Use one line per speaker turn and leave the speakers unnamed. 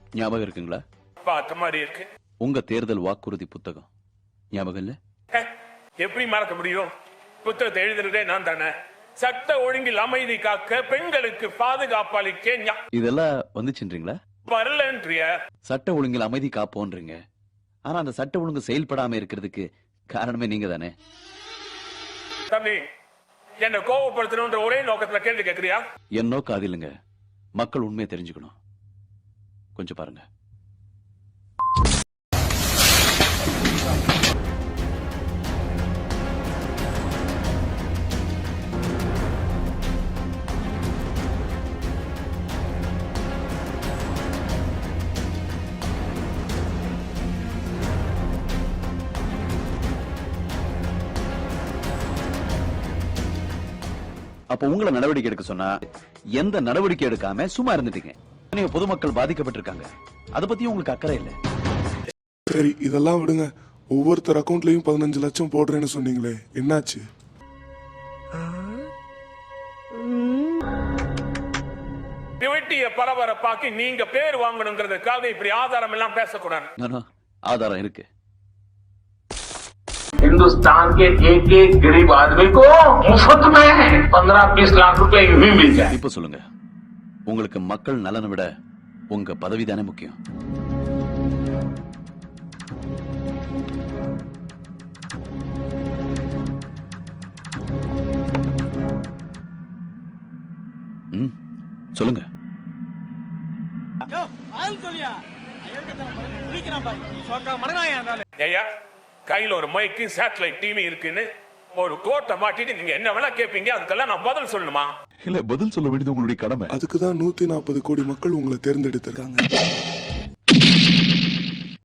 ஞாபகம் இருக்குங்களா?
பார்த்த மாதிரி இருக்கு.
உங்க தேர்தல் வாக்குறுதி புத்தகம் ஞாபகம் இல்ல?
எப்படி மறக்க முடியும்? புத்தகத்தை எழுதுறதே நான் தானே. சட்ட ஒழுங்கில் அமைதி காக்க, பெண்களுக்கு பாதுகாப்பு அளிக்க.
இதெல்லாம் வந்துச்சுன்றீங்களா?
வரலன்றிய.
சட்ட ஒழுங்கில் அமைதி காப்போன்றீங்க. ஆனா அந்த சட்ட ஒழுங்கு செயல்படாம இருக்கிறதுக்கு காரணமே நீங்க தானே.
தம்பி, என்ன கோபப்படுத்தணும்ன்ற ஒரே நோக்கத்துல கேள்வி கேட்கறியா?
என் நோக்கம் அது இல்லைங்க. மக்கள் உண்மையை தெரிஞ்சுக்கணும். கொஞ்சம் பாருங்க. அப்ப உங்களை நடவடிக்கை எடுக்க சொன்னா எந்த நடவடிக்கை எடுக்காம சும்மா இருந்துட்டீங்க. நீங்க பொதுமக்கள் பாதிக்கப்பட்டிருக்காங்க. அத பத்தி உங்களுக்கு அக்கறை இல்ல.
சரி, இதெல்லாம் விடுங்க. ஒவ்வொருத்தர் அக்கவுண்ட்லயும் 15 லட்சம் போடுறேன்னு சொன்னீங்களே, என்னாச்சு?
டிவிட்டிய பரபரப்பாக்கி நீங்க பேர் வாங்கணுங்கிறதுக்காக இப்படி ஆதாரம் எல்லாம் பேசக்கூடாது.
ஆதாரம் இருக்கு.
हिंदुस्तान के एक गरीब आदमी को मुफ्त में 15-20 लाख रुपए यूं ही मिल जाए.
இப்ப சொல்லுங்க, உங்களுக்கு மக்கள் நலனை விட உங்க பதவி தானே முக்கியம்? சொல்லுங்க.
கையில ஒரு மைக்கு, சேட்டலைட் டிவி இருக்குன்னு ஒரு கோட்டை மாட்டிட்டு நீங்க என்ன வேணா கேட்பீங்க. அதுக்கெல்லாம் நான் பதில் சொல்லணுமா?
இல்ல, பதில் சொல்ல வேண்டியது உங்களுடைய கடமை.
அதுக்குதான் 140 கோடி மக்கள் உங்களை தேர்ந்தெடுத்திருக்காங்க.